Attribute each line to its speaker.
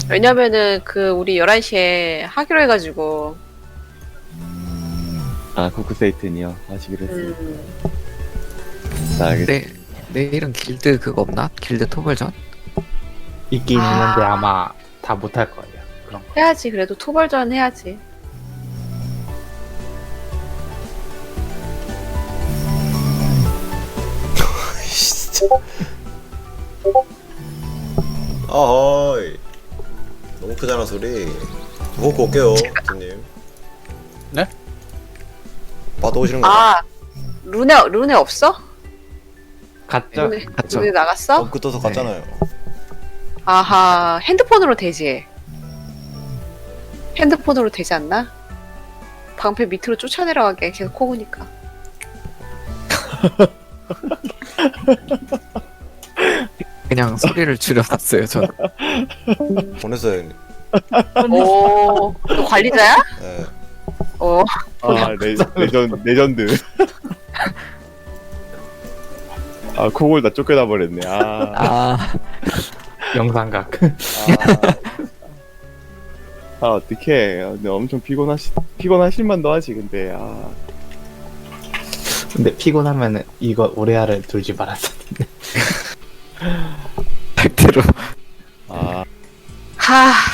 Speaker 1: 왜냐면은 그 우리 11시에 하기로 해가지고.
Speaker 2: 아, 코크세이튼이요. 하시기로 했습니다. 자,
Speaker 3: 네, 내일은 길드 그거 없나? 길드 토벌전?
Speaker 4: 있긴
Speaker 1: 아.
Speaker 4: 있는데 아마 다 못할 거예요. 그런 거.
Speaker 1: 해야지. 그래도 토벌전 해야지.
Speaker 5: 진짜. 아하이. 너무 크잖아 소리. 먹고 올게요, 팀님.
Speaker 4: 네?
Speaker 5: 빠도 오시는 거야?
Speaker 1: 아, 룬에 없어?
Speaker 4: 갔죠?
Speaker 3: 갔죠.
Speaker 1: 룬에 나갔어?
Speaker 5: 업그 떠서 갔잖아요.
Speaker 1: 아하, 핸드폰으로 되지. 핸드폰으로 되지 않나? 방패 밑으로 쫓아내려가게 계속 코고니까.
Speaker 3: 그냥 소리를 줄여놨어요, 저는.
Speaker 5: 보냈어요, 형님.
Speaker 1: 오, 너 관리자야?
Speaker 5: 예.
Speaker 1: 어,
Speaker 2: 아, 레전드. 아, 코골 다 쫓겨나 버렸네.
Speaker 3: 아,
Speaker 4: 영상각.
Speaker 2: 어떡해. 근데 엄청 피곤하실만도 하지, 근데. 아,
Speaker 4: 근데 피곤하면은 이거 오레아를 돌지 말았었는데.
Speaker 3: 백대로.
Speaker 2: 아,
Speaker 1: 하,